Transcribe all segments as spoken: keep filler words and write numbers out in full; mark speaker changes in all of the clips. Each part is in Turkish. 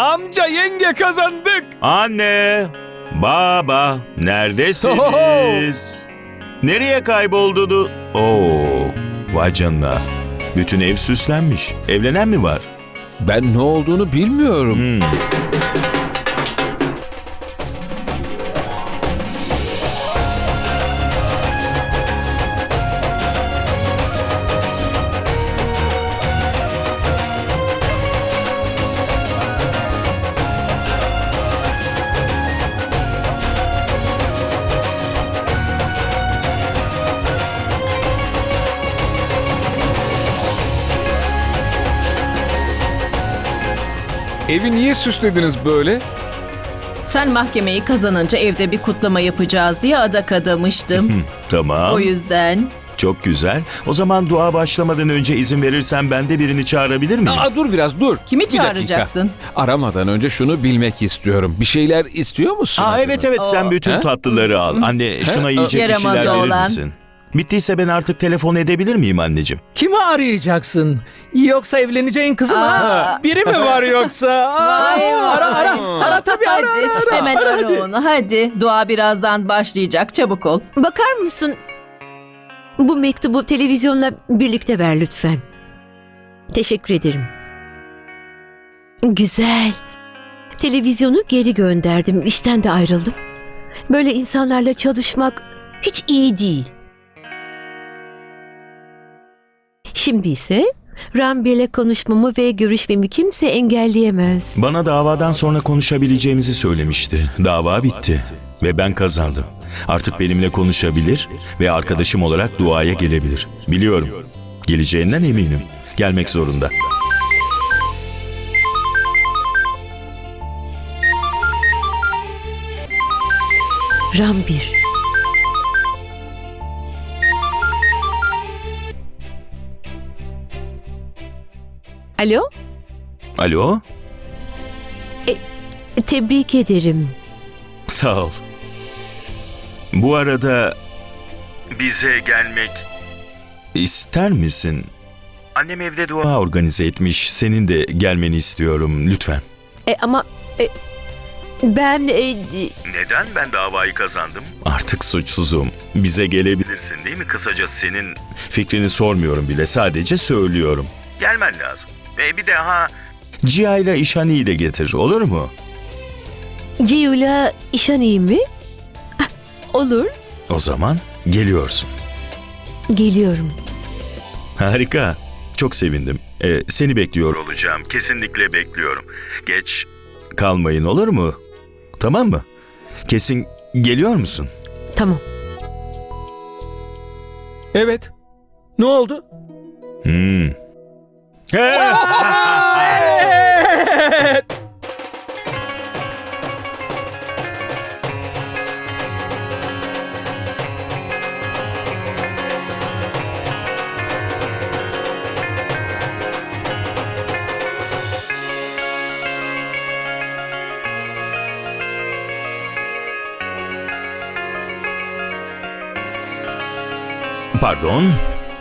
Speaker 1: Amca, yenge, kazandık.
Speaker 2: Anne, baba, neredesiniz? Nereye kayboldu? Oo, vay canına. Bütün ev süslenmiş. Evlenen mi var?
Speaker 1: Ben ne olduğunu bilmiyorum.
Speaker 2: Hmm.
Speaker 1: Evi niye süslediniz böyle?
Speaker 3: Sen mahkemeyi kazanınca evde bir kutlama yapacağız diye adak adamıştım.
Speaker 2: Tamam.
Speaker 3: O yüzden.
Speaker 2: Çok güzel. O zaman dua başlamadan önce izin verirsen ben de birini çağırabilir miyim?
Speaker 1: Aa, dur biraz dur.
Speaker 3: Kimi
Speaker 1: Bir dakika.
Speaker 3: çağıracaksın?
Speaker 1: Aramadan önce şunu bilmek istiyorum. Bir şeyler istiyor musun?
Speaker 2: Aa,
Speaker 1: acaba?
Speaker 2: evet evet sen
Speaker 3: Oo.
Speaker 2: bütün
Speaker 1: Ha?
Speaker 2: tatlıları al. Anne şuna yiyecek bir
Speaker 3: Yaramaz
Speaker 2: şeyler verir
Speaker 3: oğlan.
Speaker 2: misin? Bittiyse ben artık telefon edebilir miyim anneciğim?
Speaker 4: Kimi arayacaksın? Yoksa evleneceğin kızı mı?
Speaker 3: Aa.
Speaker 4: ha? Biri mi var yoksa? Aa,
Speaker 3: Vay vay.
Speaker 4: ara ara. Ara tabii ara
Speaker 3: Hadi
Speaker 4: ara. ara.
Speaker 3: hemen
Speaker 4: Ara
Speaker 3: ara
Speaker 4: hadi.
Speaker 3: onu hadi. Dua birazdan başlayacak, çabuk ol.
Speaker 5: Bakar mısın? Bu mektubu televizyonla birlikte ver lütfen. Teşekkür ederim. Güzel. Televizyonu geri gönderdim. İşten de ayrıldım. Böyle insanlarla çalışmak hiç iyi değil. Şimdi ise Ranbir'le konuşmamı ve görüşmemi kimse engelleyemez.
Speaker 2: Bana davadan sonra konuşabileceğimizi söylemişti. Dava bitti ve ben kazandım. Artık benimle konuşabilir ve arkadaşım olarak duaya gelebilir. Biliyorum. Geleceğinden eminim. Gelmek zorunda.
Speaker 5: Ranbir. Alo?
Speaker 2: Alo?
Speaker 5: Tebrik ederim.
Speaker 2: Sağ ol. Bu arada bize gelmek ister misin? Annem evde dua organize etmiş. Senin de gelmeni istiyorum lütfen.
Speaker 5: E, ama e, ben e,
Speaker 2: Neden ben davayı kazandım? Artık suçsuzum. Bize gelebilirsin değil mi? Kısaca senin fikrini sormuyorum bile. Sadece söylüyorum. Gelmen lazım. Ve bir daha Cia ile İşani'yi de getir. Olur mu?
Speaker 5: Ciyula işan iyi mi? Ah, olur.
Speaker 2: O zaman geliyorsun.
Speaker 5: Geliyorum.
Speaker 2: Harika. Çok sevindim. Ee, seni bekliyor olacağım. Kesinlikle bekliyorum. Geç kalmayın olur mu? Tamam mı? Kesin geliyor musun?
Speaker 5: Tamam.
Speaker 4: Evet. Ne oldu?
Speaker 2: Hmm.
Speaker 4: Evet.
Speaker 2: Pardon.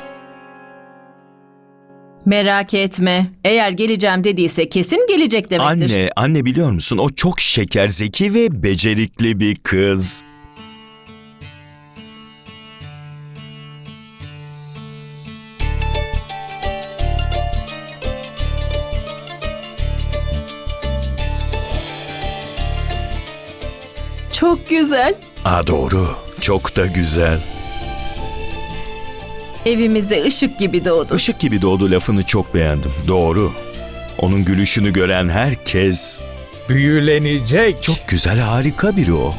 Speaker 3: Merak etme. Eğer geleceğim dediyse kesin gelecek demektir.
Speaker 2: Anne, anne biliyor musun? O çok şeker, zeki ve becerikli bir kız.
Speaker 3: Çok güzel.
Speaker 2: Aa doğru. Çok da güzel.
Speaker 3: Evimizde ışık gibi doğdu.
Speaker 2: Işık gibi doğdu lafını çok beğendim. Doğru. Onun gülüşünü gören herkes
Speaker 4: Büyülenecek.
Speaker 2: çok güzel, harika biri o.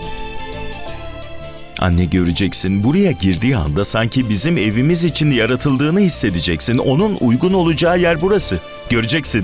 Speaker 2: Anne göreceksin, buraya girdiği anda sanki bizim evimiz için yaratıldığını hissedeceksin. Onun uygun olacağı yer burası. Göreceksin.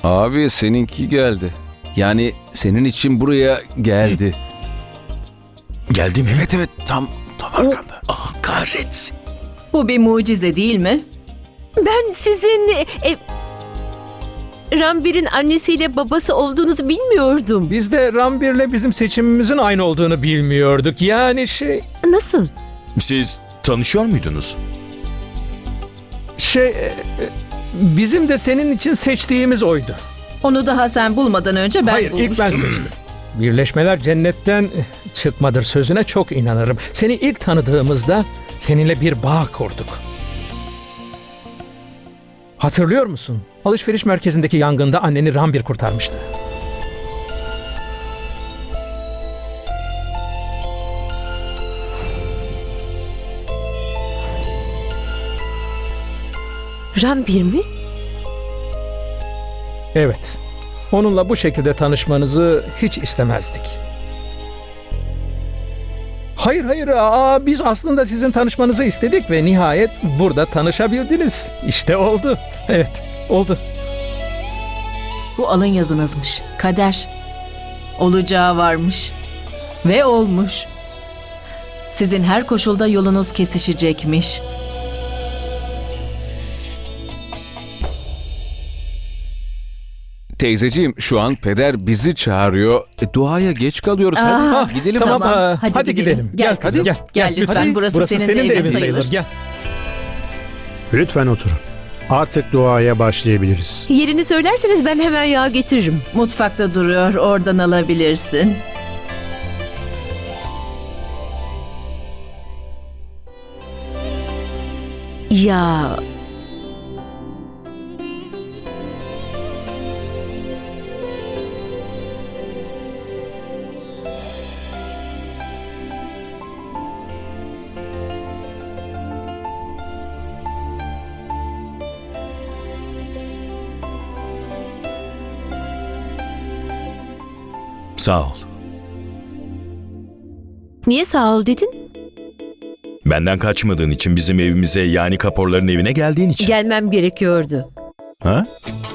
Speaker 1: Abi seninki geldi. Yani senin için buraya geldi.
Speaker 2: Geldi mi?
Speaker 1: Evet evet tam tam arkanda.
Speaker 2: Ah kahretsin.
Speaker 3: Bu bir mucize değil mi?
Speaker 5: Ben sizin e, Rambir'in annesiyle babası olduğunuzu bilmiyordum.
Speaker 4: Biz de Rambir'le bizim seçimimizin aynı olduğunu bilmiyorduk. Yani şey...
Speaker 5: Nasıl?
Speaker 2: Siz tanışıyor muydunuz?
Speaker 4: Şey... e, e, Bizim de senin için seçtiğimiz oydu.
Speaker 3: Onu daha sen bulmadan önce ben
Speaker 4: Hayır,
Speaker 3: bulmuştum.
Speaker 4: ilk ben seçtim. Birleşmeler cennetten çıkmadır sözüne çok inanırım. Seni ilk tanıdığımızda seninle bir bağ kurduk. Hatırlıyor musun? Alışveriş merkezindeki yangında anneni Rambir kurtarmıştı.
Speaker 5: Rambir mi?
Speaker 4: Evet. Onunla bu şekilde tanışmanızı hiç istemezdik. Hayır hayır aa, biz aslında sizin tanışmanızı istedik ve nihayet burada tanışabildiniz. İşte oldu. Evet oldu.
Speaker 3: Bu alın yazınızmış. Kader. Olacağı varmış. Ve olmuş. Sizin her koşulda yolunuz kesişecekmiş.
Speaker 1: Teyzeciğim şu an peder bizi çağırıyor. E, duaya geç kalıyoruz. Hadi
Speaker 3: Ah,
Speaker 1: gidelim.
Speaker 4: tamam.
Speaker 3: Tamam,
Speaker 4: aa,
Speaker 3: hadi,
Speaker 4: hadi
Speaker 3: gidelim.
Speaker 4: gidelim.
Speaker 3: Gel
Speaker 4: Gel
Speaker 3: kızım,
Speaker 4: hadi,
Speaker 3: gel,
Speaker 4: gel.
Speaker 3: lütfen.
Speaker 4: Hadi.
Speaker 3: Burası senin de
Speaker 4: senin de
Speaker 3: evin
Speaker 4: evin
Speaker 3: sayılır.
Speaker 4: sayılır. Gel.
Speaker 6: Lütfen oturun. Artık duaya başlayabiliriz.
Speaker 5: Yerini söylerseniz ben hemen yağ getiririm.
Speaker 3: Mutfakta duruyor. Oradan alabilirsin.
Speaker 5: Ya
Speaker 2: Sağ ol.
Speaker 5: niye sağ ol dedin?
Speaker 2: Benden kaçmadığın için, bizim evimize yani Kaporların evine geldiğin için.
Speaker 5: Gelmem gerekiyordu.
Speaker 2: Ha?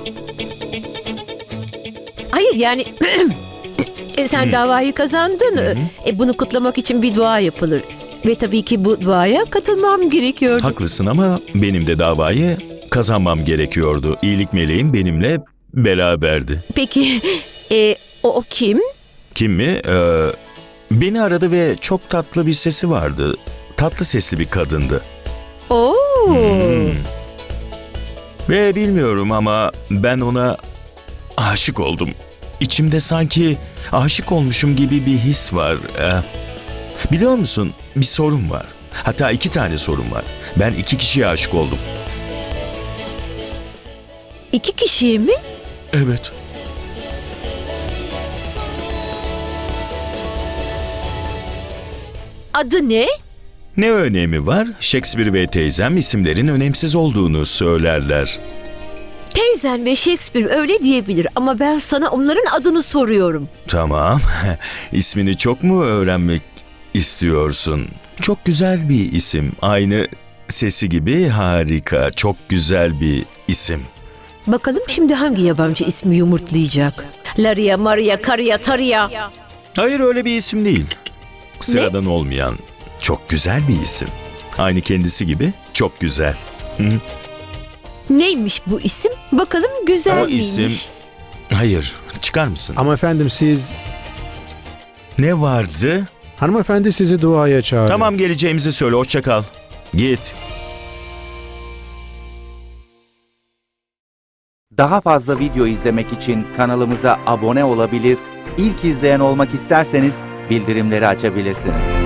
Speaker 5: Hayır yani e, sen davayı kazandın. E, bunu kutlamak için bir dua yapılır. Ve tabii ki bu duaya katılmam gerekiyordu.
Speaker 2: Haklısın ama benim de davayı kazanmam gerekiyordu. İyilik meleğim benimle beraberdi.
Speaker 5: Peki e, o, o kim?
Speaker 2: Kim mi? Ee, beni aradı ve çok tatlı bir sesi vardı. Tatlı sesli bir kadındı.
Speaker 5: Oo.
Speaker 2: Hmm. Ve bilmiyorum ama ben ona aşık oldum. İçimde sanki aşık olmuşum gibi bir his var. Ee, biliyor musun, bir sorun var. Hatta iki tane sorun var. Ben iki kişiye aşık oldum.
Speaker 5: İki kişiye mi?
Speaker 2: Evet.
Speaker 5: Adı ne?
Speaker 2: Ne önemi var? Shakespeare ve teyzem isimlerin önemsiz olduğunu söylerler.
Speaker 5: Teyzen ve Shakespeare öyle diyebilir ama ben sana onların adını soruyorum.
Speaker 2: Tamam. İsmini çok mu öğrenmek istiyorsun? Çok güzel bir isim. Aynı sesi gibi harika. Çok güzel bir isim.
Speaker 5: Bakalım şimdi hangi yabancı ismi yumurtlayacak? Laria, Maria, Karia, Taria.
Speaker 2: Hayır, öyle bir isim değil. Sıradan olmayan çok güzel bir isim. Aynı kendisi gibi çok güzel. Hı?
Speaker 5: Neymiş bu isim? Bakalım güzel
Speaker 2: O
Speaker 5: miymiş?
Speaker 2: isim... Hayır, çıkar mısın?
Speaker 6: Ama efendim siz...
Speaker 2: Ne vardı?
Speaker 6: Hanımefendi sizi duaya çağırıyor.
Speaker 2: Tamam, geleceğimizi söyle, hoşça kal. Git.
Speaker 7: Daha fazla video izlemek için kanalımıza abone olabilir, ilk izleyen olmak isterseniz bildirimleri açabilirsiniz.